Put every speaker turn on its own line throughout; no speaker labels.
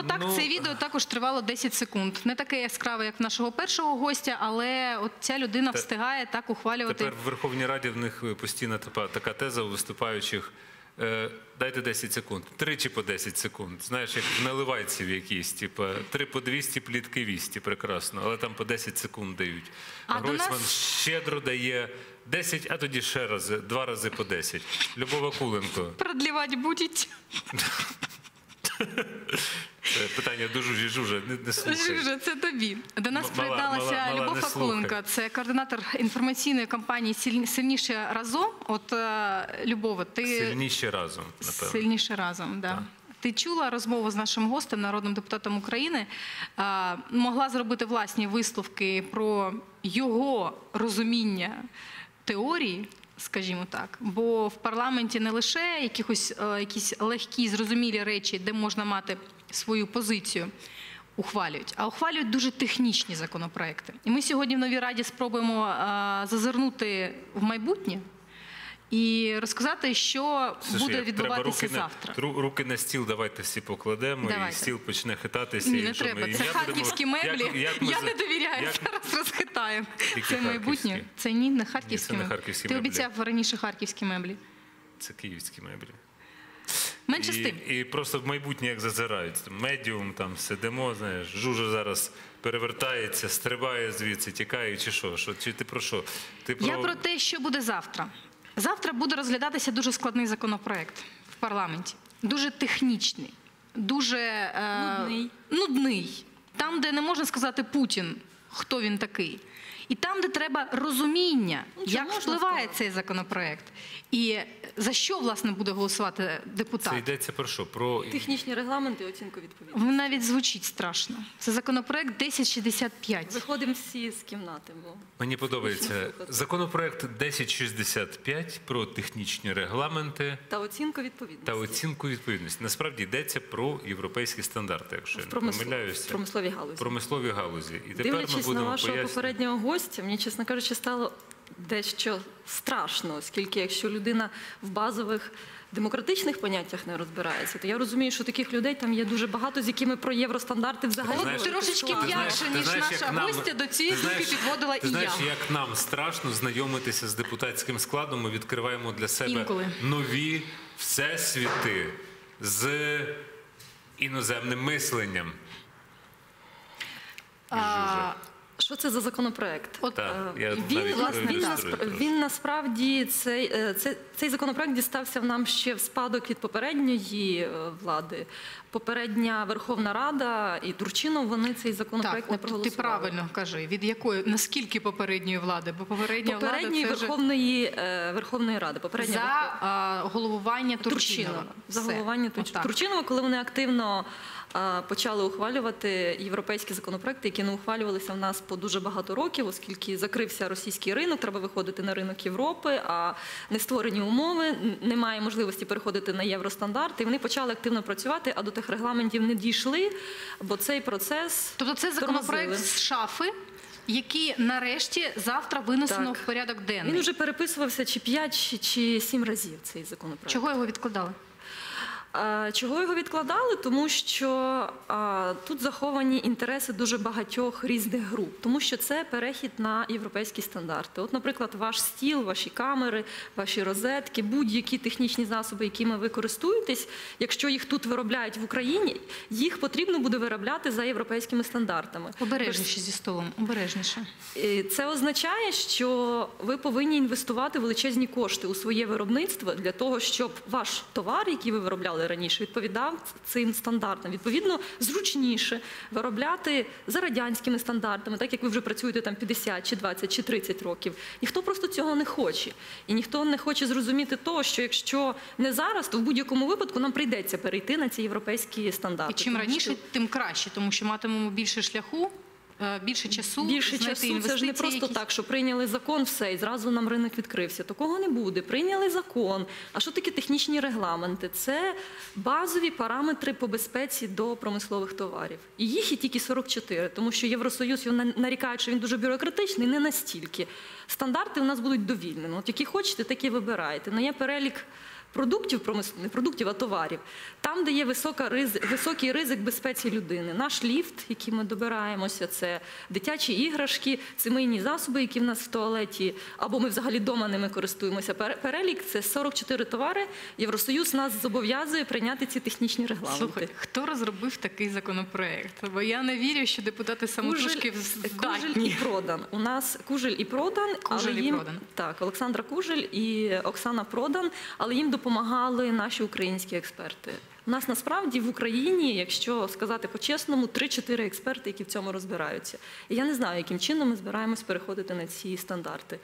так, це відео також тривало 10 секунд. Не таке яскраве, як в нашого першого гостя, але от ця людина встигає так ухвалювати.
Тепер в Верховній Раді в них постійна така теза у виступаючих. Дайте 10 секунд. Тричі по 10 секунд. Знаєш, як в наливайців якісь, типу, 3 по 200, плітки 200, прекрасно. Але там по 10 секунд дають. А Гройсман щедро дає 10, а тоді ще рази, 2 рази по 10. Любов Вакуленко.
Продлівати будуть.
Це питання до Жужі, не слухай.
Жужа, це тобі. До нас приєдналася Любов Вакуленко. Це координатор інформаційної кампанії «Сильніше разом». От, Любова, ти...
Сильніше разом, напевно.
Сильніше разом, да. Ти чула розмову з нашим гостем, народним депутатом України, могла зробити власні висновки про його розуміння теорії, скажімо так, бо в парламенті не лише якісь легкі, зрозумілі речі, де можна мати свою позицію, ухвалюють, а ухвалюють дуже технічні законопроекти. І ми сьогодні в Новій Раді спробуємо зазирнути в майбутнє і розказати, що буде відбуватися завтра.
Руки на стіл давайте всі покладемо, і стіл почне хитатися.
Ні, не треба. Це харківські меблі. Я не довіряю, зараз розхитаємо. Це майбутнє. Це не харківські меблі. Ти обіцяв раніше харківські меблі.
Це київські меблі.
Менше з тим.
І просто в майбутнє як зазирають. Медіум, там сидимо, знаєш, Жужа зараз перевертається, стрибає звідси, тікає, чи що? Чи ти про що?
Я про те, що буде завтра. Завтра буде розглядатися дуже складний законопроект в парламенті. Дуже технічний, дуже нудний. Там, де не можна сказати Путін, хто він такий. І там, де треба розуміння, як впливає цей законопроект. І за що, власне, буде голосувати депутат.
Це йдеться про що? Про
технічні регламенти і оцінку відповідності.
Навіть звучить страшно. Це законопроект 1065.
Виходимо всі з кімнати.
Мені подобається. Законопроект 1065 про технічні регламенти
та оцінку відповідності.
Та оцінку відповідності. Насправді йдеться про європейські стандарти, якщо я не помиляюся.
В промисловій галузі.
В промисловій галузі. І тепер
дивлячись на вашого попереднього гостя, мені, чесно кажучи, стало дещо страшно, оскільки якщо людина в базових демократичних поняттях не розбирається, то я розумію, що таких людей там є дуже багато, з якими про євростандарти взагалі...
Трошечки м'якше, ніж наша гостя, до цієї думки підводила і я.
Знаєш, як нам страшно знайомитися з депутатським складом, ми відкриваємо для себе нові всесвіти з іноземним мисленням.
Що це за законопроект?
Він
насправді, цей законопроект дістався нам ще в спадок від попередньої влади. Попередня Верховна Рада і Турчинов, вони цей законопроект не проголосували.
Ти правильно кажи, від якої, наскільки попередньої влади? Бо
попередньої Верховної Ради.
За головування Турчинова.
За головування Турчинова, коли вони активно почали ухвалювати європейські законопроекти, які не ухвалювалися в нас по дуже багато років, оскільки закрився російський ринок, треба виходити на ринок Європи, а не створені умови, немає можливості переходити на євростандарти. І вони почали активно працювати, а до тих регламентів не дійшли, бо цей процес...
Тобто це законопроект з шафи, який нарешті завтра винесено в порядок денний.
Він вже переписувався чи 5, чи 7 разів, цей законопроект.
Чого його відкладали?
Чого його відкладали? Тому що тут заховані інтереси дуже багатьох різних груп. Тому що це перехід на європейські стандарти. От, наприклад, ваш стіл, ваші камери, ваші розетки, будь-які технічні засоби, якими ви користуєтесь, якщо їх тут виробляють в Україні, їх потрібно буде виробляти за європейськими стандартами.
Обережніше зі столом, обережніше.
Це означає, що ви повинні інвестувати величезні кошти у своє виробництво для того, щоб ваш товар, який ви виробляли раніше, відповідав цим стандартам. Відповідно, зручніше виробляти за радянськими стандартами, так як ви вже працюєте там 50, чи 20, чи 30 років. Ніхто просто цього не хоче. І ніхто не хоче зрозуміти того, що якщо не зараз, то в будь-якому випадку нам прийдеться перейти на ці європейські стандарти.
І чим раніше, тим краще, тому що матимемо більше шляху, більше часу,
це ж не просто так, що прийняли закон, все, і зразу нам ринок відкрився. Такого не буде. Прийняли закон. А що таке технічні регламенти? Це базові параметри по безпеці до промислових товарів. І їх є тільки 44, тому що Євросоюз нарікає, що він дуже бюрократичний, не настільки. Стандарти у нас будуть довільними. От які хочете, такі вибираєте. Но є перелік продуктів, не продуктів, а товарів, там, де є високий ризик безпеці людини. Наш ліфт, який ми добираємося, це дитячі іграшки, сімейні засоби, які в нас в туалеті, або ми взагалі вдома ними користуємося. Перелік – це 44 товари. Євросоюз нас зобов'язує прийняти ці технічні регламенти.
Слухай, хто розробив такий законопроект? Бо я не вірю, що депутати самотужки
Кужель і
здатні.
Продан. У нас Кужель і Продан.
Кужель
але
і
їм,
Продан.
Так, Олександра Кужель і Оксана Продан, але їм допомагали наші українські експерти. У нас насправді в Україні, якщо сказати по-чесному, 3-4 експерти, які в цьому розбираються. І я не знаю, яким чином ми збираємось переходити на ці стандарти.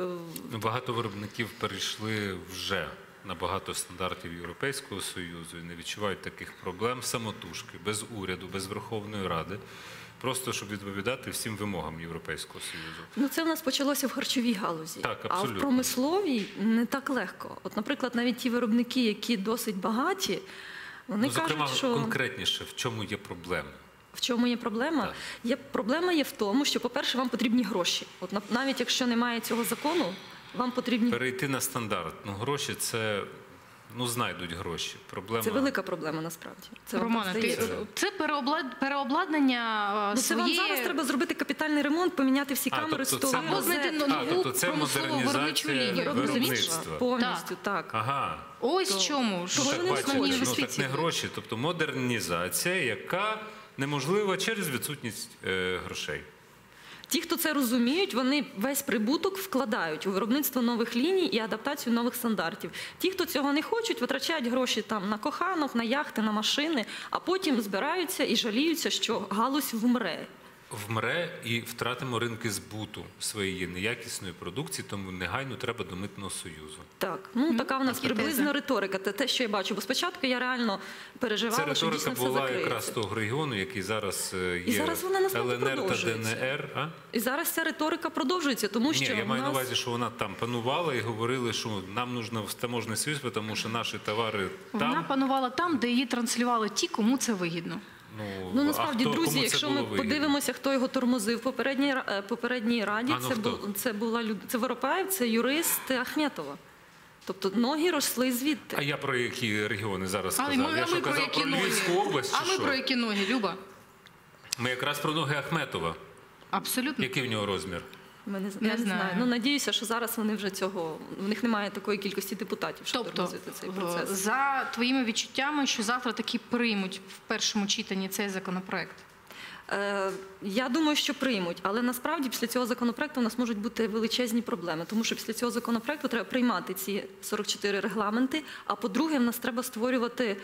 Багато виробників перейшли вже на багато стандартів Європейського Союзу і не відчувають таких проблем самотужки, без уряду, без Верховної Ради, просто щоб відповідати всім вимогам Європейського Союзу.
Ну, це в нас почалося в харчовій галузі,
Так,
а в
абсолютно.
промисловій не так легко. От, наприклад, навіть ті виробники, які досить багаті, вони
Зокрема,
кажуть, що...
конкретніше, в чому є проблема?
В чому є проблема?
Так.
Проблема є в тому, що, по-перше, вам потрібні гроші. От навіть якщо немає цього закону, вам потрібні...
Перейти на стандарт. Гроші – це, знайдуть гроші. Проблема...
Це велика проблема, насправді. Це вам
Романе,
так здається.
це переобладнання
Це вам
своєї...
зараз треба зробити капітальний ремонт, поміняти всі камери,
тобто
столи,
це
Або знайти
розетки.
нову
тобто це
промислову виробничу
модернізація
лінію.
виробництва.
Повністю, так.
Ага.
Ось в чому. Що
Ну,
вони
так,
основні
бачиш,
так
інвестиції.
не гроші, тобто модернізація, яка неможлива через відсутність грошей.
Ті, хто це розуміють, вони весь прибуток вкладають у виробництво нових ліній і адаптацію нових стандартів. Ті, хто цього не хочуть, витрачають гроші там на коханок, на яхти, на машини, а потім збираються і жаліються, що галузь вмре.
Вмре і втратимо ринки збуту своєї неякісної продукції, тому негайно треба до Митного Союзу.
Так, така в нас
такі
приблизно
тези.
риторика. Це те, що я бачу. Бо спочатку я реально переживала,
Ця
що
риторика
дійсно все
була
закриється.
якраз того регіону, який зараз
І
є
зараз вона насправді
ЛНР та
продовжується.
ДНР. А?
І зараз ця риторика продовжується, тому
Ні,
що
я
в
маю на
нас...
увазі, що вона там панувала і говорили, що нам нужно в таможний союз, тому що наші товари
Вона
там.
панувала там, де її транслювали ті, кому це вигідно.
Ну, насправді,
кому
друзі,
це
якщо
було
ми
вигідно?
подивимося, хто його тормозив в попередній раді, це Воропаєв, це юрист Ахметова. Тобто ноги росли звідти.
А я про які регіони зараз сказав?
А
Я
ми
що
про
казав
які
про
ноги?
Львівську область
А
чи
ми
що?
про які ноги, Люба?
Ми якраз про ноги Ахметова.
Абсолютно.
Який в нього розмір?
Я не
знаю.
знаю. Ну, надіюся, що зараз вони вже цього... В них немає такої кількості депутатів, щоб
Тобто,
тормозити цей процес.
за твоїми відчуттями, що завтра таки приймуть в першому читанні цей законопроект?
Я думаю, що приймуть, але насправді після цього законопроекту у нас можуть бути величезні проблеми, тому що після цього законопроекту треба приймати ці 44 регламенти, а по-друге, в нас треба створювати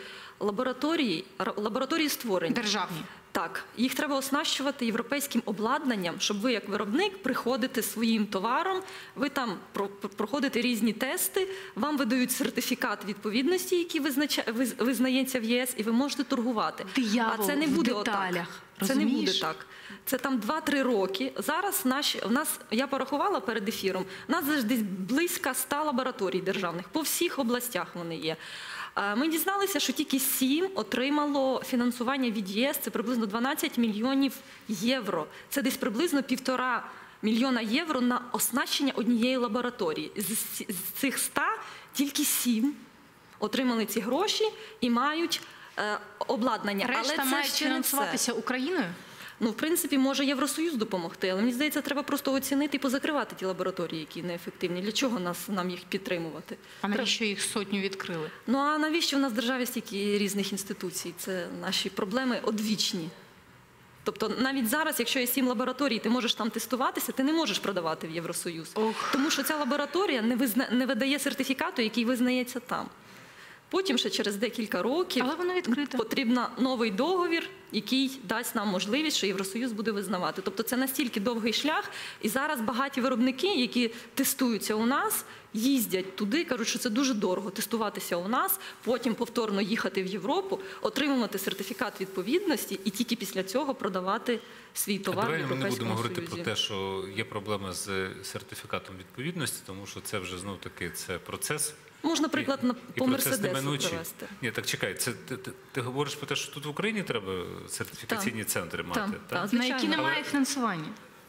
лабораторії створення.
Державні.
Так, їх треба оснащувати європейським обладнанням, щоб ви як виробник приходите своїм товаром, ви там проходите різні тести, вам видають сертифікат відповідності, який визнається в ЄС, і ви можете торгувати.
Диявол
А це не
в
буде
деталях,
отак. Це не буде
розумієш?
так. Це там 2-3 роки. Зараз я порахувала перед ефіром, у нас десь близько 100 лабораторій державних, по всіх областях вони є. Ми дізналися, що тільки 7 отримало фінансування від ЄС, це приблизно 12 мільйонів євро. Це десь приблизно 1,5 мільйона євро на оснащення однієї лабораторії. З цих 100 тільки 7 отримали ці гроші і мають обладнання.
Решта
Але це
мають
ще не все.
фінансуватися Україною?
Ну, в принципі, може Євросоюз допомогти, але мені здається, треба просто оцінити і позакривати ті лабораторії, які неефективні. Для чого нам їх підтримувати?
А навіщо їх сотню відкрили?
Ну, а навіщо в нас в державі стільки різних інституцій? Це наші проблеми одвічні. Тобто навіть зараз, якщо є 7 лабораторій, ти можеш там тестуватися, ти не можеш продавати в Євросоюз. Тому що ця лабораторія не видає сертифікату, який визнається там. Потім ще через декілька років
Але воно відкрите.
потрібен новий договір, який дасть нам можливість, що Євросоюз буде визнавати. Тобто це настільки довгий шлях, і зараз багаті виробники, які тестуються у нас, їздять туди, кажуть, що це дуже дорого тестуватися у нас, потім повторно їхати в Європу, отримувати сертифікат відповідності і тільки після цього продавати свій товар в
Давай ми не
Європейському
будемо говорити
Союзі.
про те, що є проблема з сертифікатом відповідності, тому що це вже знов-таки це процес.
Можна, приклад, по
процес
Мерседесу
неминучий.
привести.
Ні, так чекай, ти говориш про те, що тут в Україні треба сертифікаційні центри мати?
Так.
На
Звичайно.
які немає фінансування?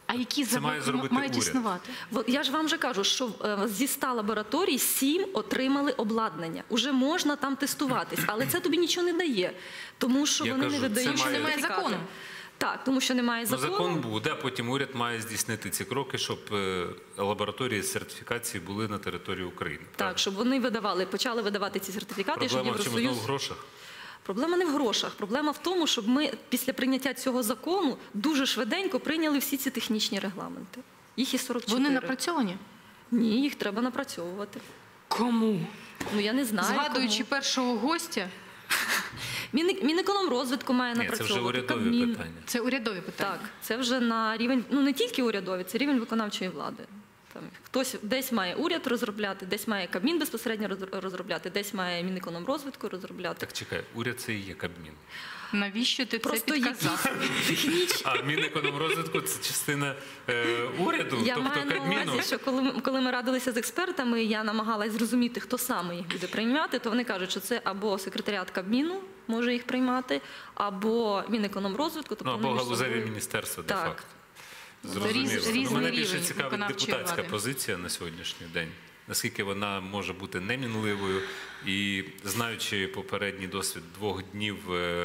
А які
Це має
заводи
зробити
мають
уряд.
існувати?
От я ж вам вже кажу, що зі 100 лабораторій 7 отримали обладнання. Уже можна там тестуватись, але це тобі нічого не дає, тому що
Я
вони
кажу,
не видають
це має-
Немає
сертифікати.
закону.
Так, тому що немає
Ну,
закону.
закон буде, а потім уряд має здійснити ці кроки, щоб лабораторії з сертифікації були на території України.
Так, щоб вони почали видавати ці сертифікати, щоб
Проблема в чому?
Євросоюз...
Знову в грошах?
Проблема не в грошах. Проблема в тому, щоб ми після прийняття цього закону дуже швиденько прийняли всі ці технічні регламенти. Їх і 44.
Вони напрацьовані?
Ні, їх треба напрацьовувати.
Кому?
Ну, я не знаю,
Згадуючи
кому.
першого гостя,
Мінекономрозвитку має
Ні, це вже
напрацьовувати.
урядові
Кабмін.
питання.
це урядові питання.
Так, це вже на рівень, ну не тільки урядові, це рівень виконавчої влади. Там хтось десь має уряд розробляти, десь має Кабмін безпосередньо розробляти, десь має Мінекономрозвитку розробляти.
Так чекай, уряд це і є Кабмін.
Навіщо ти
Просто
це
є
підказав?
технічні.
А Мінекономрозвитку це частина уряду,
Я
тобто
маю на
Кабміну.
увазі, що коли ми радилися з експертами, я намагалась зрозуміти, хто саме їх буде приймати, то вони кажуть, що це або секретаріат Кабміну може їх приймати, або Мінекономрозвитку. Тобто
Ну, або
вони між
галузеві
собою-
міністерства,
Так.
де-факто.
Різний
Зрозуміло. Мене більше
рівень
цікавить
виконавчої
депутатська
влади.
позиція на сьогоднішній день. Наскільки вона може бути немінливою і, знаючи попередній досвід 2 днів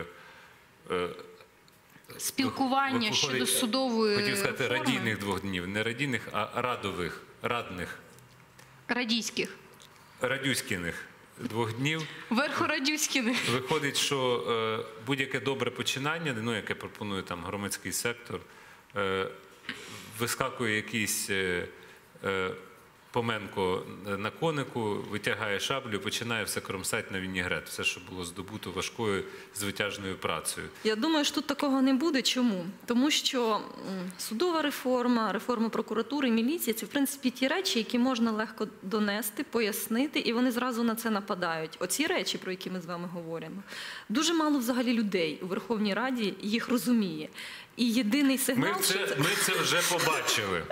Спілкування
виходить,
щодо судової
хотів сказати,
реформи.
радійних 2 днів, не радійних, а радних,
Радійських.
радюськіних 2 днів.
Верхорадюськіних.
Виходить, що будь-яке добре починання, ну, яке пропонує там громадський сектор, вискакує якийсь Поменко на конику, витягає шаблю і починає все кромсати на вінігрет. Все, що було здобуто важкою звитяжною працею.
Я думаю, що тут такого не буде. Чому? Тому що судова реформа, реформа прокуратури, міліції – це, в принципі, ті речі, які можна легко донести, пояснити, і вони зразу на це нападають. Оці речі, про які ми з вами говоримо, дуже мало взагалі людей у Верховній Раді їх розуміє. І єдиний сигнал,
Ми це вже побачили.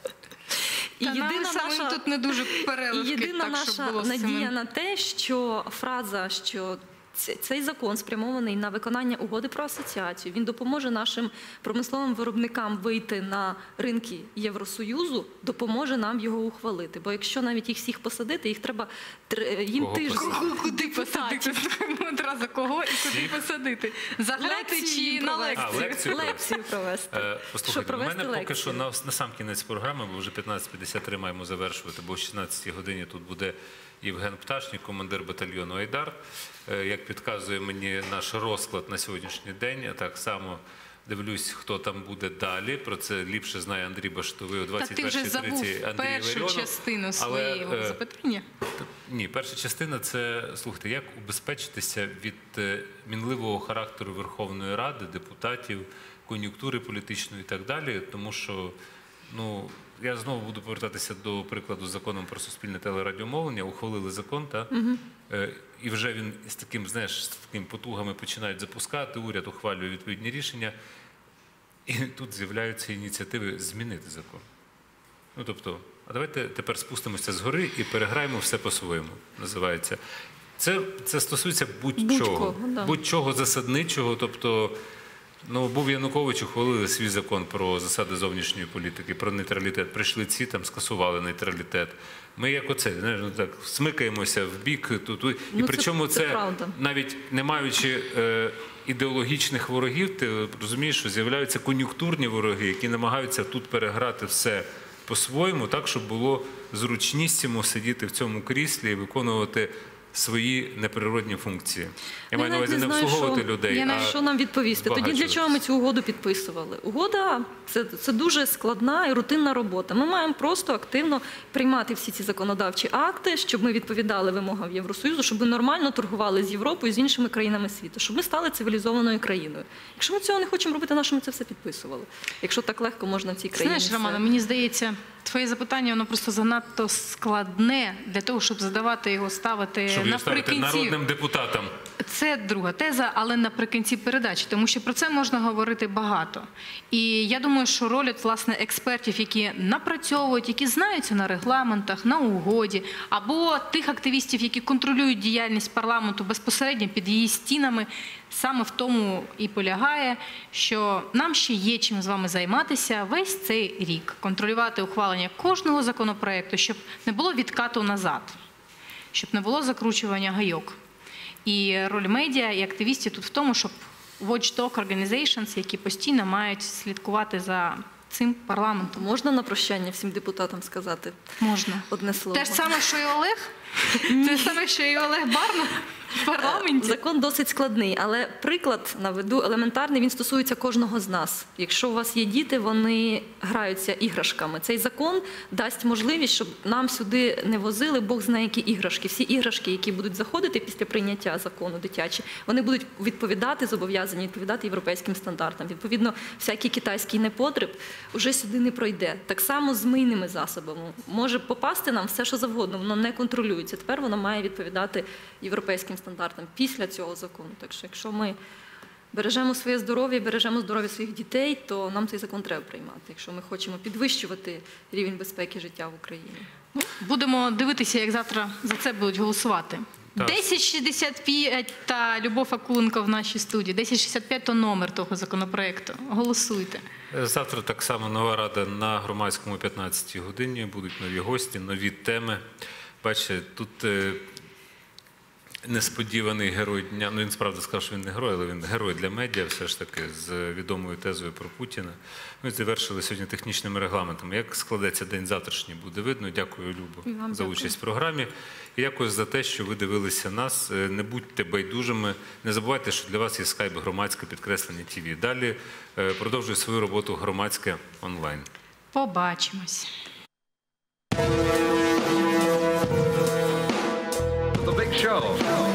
і
Та нам
єдина
самим
наша...
тут не дуже
І
переливки,
єдина
так, щоб
наша
було з
надія
цим.
на те, що фраза, що цей закон спрямований на виконання угоди про асоціацію, він допоможе нашим промисловим виробникам вийти на ринки Євросоюзу, допоможе нам його ухвалити. Бо якщо навіть їх всіх посадити, їх треба їм
Кого
тиждень.
посадити?
Куди посадити? Одразу кого і куди посадити? Загнати
Лекцію
чи
їм
на
провести.
А, лекцію
Лекцію провести.
Послухайте,
Щоб
у
провести
мене поки що
лекцію.
на сам кінець програми, бо вже 15:53 маємо завершувати, бо о 16-й годині тут буде Євген Пташнік, командир батальйону «Айдар». Як підказує мені наш розклад на сьогоднішній день, я так само дивлюсь, хто там буде далі. Про це ліпше знає Андрій Баштовий о
Та ти вже
21:30
забув
Андрій
першу
Іларіонов.
частину
Але,
своєї запитання.
Ні, перша частина – це, слухайте, як убезпечитися від мінливого характеру Верховної Ради, депутатів, кон'юнктури політичної і так далі, тому що, ну, я знову буду повертатися до прикладу з законом про суспільне телерадіомовлення. Ухвалили закон, і вже він з таким, знаєш, з такими потугами починають запускати, уряд ухвалює відповідні рішення, і тут з'являються ініціативи змінити закон. Ну, тобто, а давайте тепер спустимося згори і переграємо все по-своєму, називається. Це стосується будь-чого.
Будь-кого, да.
Будь-чого засадничого, тобто, ну, був Янукович, ухвалили свій закон про засади зовнішньої політики, про нейтралітет. Прийшли ці, там, скасували нейтралітет. Ми як оце, знаєш, ну, так, смикаємося в бік, і
Ну,
причому
це правда.
навіть не маючи ідеологічних ворогів, ти розумієш, що з'являються кон'юнктурні вороги, які намагаються тут переграти все по-своєму, так, щоб було зручнісімо сидіти в цьому кріслі і виконувати свої неприродні функції. Я маю на увазі не обслуговувати людей,
Я навіть що нам відповісти. Тоді для
збагачуватися.
чого ми цю угоду підписували? Угода це дуже складна і рутинна робота. Ми маємо просто активно приймати всі ці законодавчі акти, щоб ми відповідали вимогам Євросоюзу, щоб ми нормально торгували з Європою, з іншими країнами світу, щоб ми стали цивілізованою країною. Якщо ми цього не хочемо робити, на що ми це все підписували? Якщо так легко можна в цій країні.
Знаєш,
все-
Романа, мені здається, Твоє запитання, воно просто занадто складне для того, щоб задавати його, ставити
Щоб його ставити
наприкінці.
народним депутатам.
Це друга теза, але наприкінці передачі, тому що про це можна говорити багато. І я думаю, що роль, от, власне, експертів, які напрацьовують, які знаються на регламентах, на угоді, або тих активістів, які контролюють діяльність парламенту безпосередньо під її стінами, саме в тому і полягає, що нам ще є чим з вами займатися весь цей рік, контролювати ухвалення кожного законопроекту, щоб не було відкату назад, щоб не було закручування гайок. І роль медіа і активістів тут в тому, щоб watchdog organizations, які постійно мають слідкувати за цим парламентом.
Можна на прощання всім депутатам сказати
Можна.
одне слово?
Те ж саме, що і Олег? Те ж саме, що і Олег Барна в парламенті?
Закон досить складний, але приклад наведу елементарний, він стосується кожного з нас. Якщо у вас є діти, вони граються іграшками. Цей закон дасть можливість, щоб нам сюди не возили Бог знає які іграшки. Всі іграшки, які будуть заходити після прийняття закону дитячі, вони будуть відповідати, зобов'язані відповідати європейським стандартам. Відповідно, всякий китайський непотріб вже сюди не пройде. Так само з мийними засобами. Може попасти нам все, що завгодно, воно не контролюється. Тепер воно має відповідати європейським стандартам після цього закону. Так що, якщо ми бережемо своє здоров'я, бережемо здоров'я своїх дітей, то нам цей закон треба приймати, якщо ми хочемо підвищувати рівень безпеки життя в Україні.
Будемо дивитися, як завтра за це будуть голосувати.
Так.
1065 та Любов Акуленко в нашій студії. 1065 – то номер того законопроекту. Голосуйте.
Завтра так само нова рада на громадському 15-й годині. Будуть нові гості, нові теми. Бачите, тут несподіваний герой дня. Ну, він справді сказав, що він не герой, але він герой для медіа, все ж таки, з відомою тезою про Путіна. Ми завершили сьогодні технічними регламентами. Як складеться день завтрашній, буде видно. Дякую, Любо,
Вам
за
дякую.
участь в програмі. І дякую за те, що ви дивилися нас. Не будьте байдужими. Не забувайте, що для вас є скайп громадське підкреслення ТВ. Далі продовжує свою роботу громадське онлайн.
Побачимось.
The Big Show.